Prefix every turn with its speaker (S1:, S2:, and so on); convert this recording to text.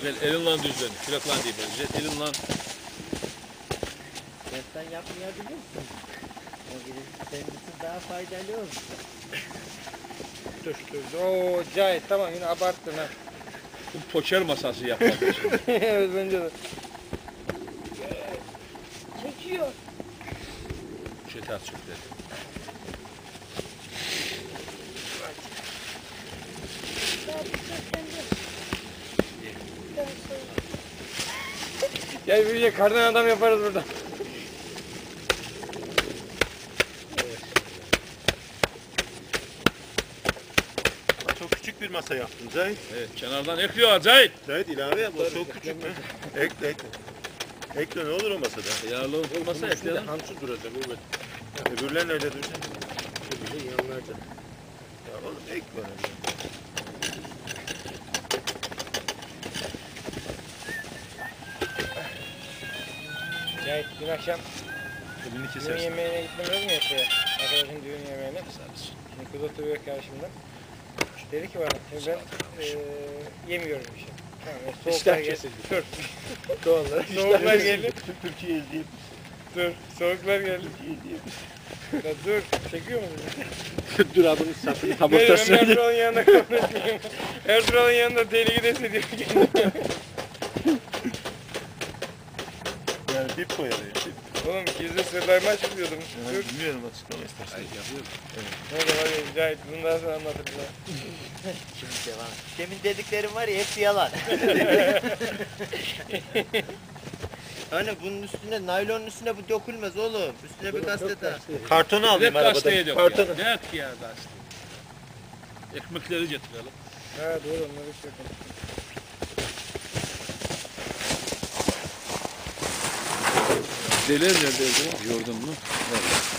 S1: Güzel elinle düzlen. Şuraklan değil böyle. Güzel elinle.
S2: Sen yapmayabilirsin. O gibi senin için daha faydalı olur.
S3: Dur. Oo Cahit tamam yine abarttın ha.
S1: Bu poker masası yapmak için.
S3: Evet bence de.
S2: Çekiyor.
S1: Şey ters çöktü.
S3: Gel bir kardan adam yaparız burada.
S4: Çok küçük bir masa yaptın Zahit.
S1: Evet kenardan ekliyor acayip.
S4: Zahit ilave yap. O çok küçük mü? Ekle ekle. Ekle ne olur o masada?
S1: Yağlı olmasa ekleyelim.
S4: Hamsi duracak evet. Öbürler nerede duracak?
S2: Öbürü yanlarda.
S4: Ya oğlum ekle.
S3: Cahit dün akşam
S4: Elini
S3: düğün
S4: kesersin.
S3: yemeğine gitmemiz mi yapıyor? Arkadaşın düğün yemeğine. Şimdi kız oturuyor karşımda. Dedi ki bana, ben yemiyorum bir şey. Tamam, soğuklar geldi. Dur.
S4: Doğallar.
S3: Soğuklar geldi.
S4: Bütün Türkiye izleyip.
S3: Dur. Soğuklar geldi.
S4: Türkiye izleyip.
S3: Ya dur. Çekiyor musun?
S4: Dur abinin sapını
S3: Ben Ertuğrul'un yanında konuşmuyorum. Ertuğrul'un yanında deli gidesi diyor kendine.
S4: Yani dip koyalım. Dip.
S3: Oğlum gizli sırlarımı açıklıyordum. Dur.
S4: Bilmiyorum açıklama istersen.
S1: Hayır yapıyorum.
S3: Neyse hadi Cahit bundan sonra anlatırım.
S2: Şimdi devam. Demin dediklerim var ya hepsi yalan. Hani bunun üstüne, naylonun üstüne bu dökülmez oğlum. Üstüne bir gazete.
S4: Kartonu
S1: Ne
S4: alayım
S1: gazeteye
S4: arabadan.
S1: dök ya.
S4: Kartonu.
S1: Ne et ya gazete. Ekmekleri getirelim.
S3: Ha doğru onları hiç yok.
S1: Deler neredeydi? Yordun mu? Nerede?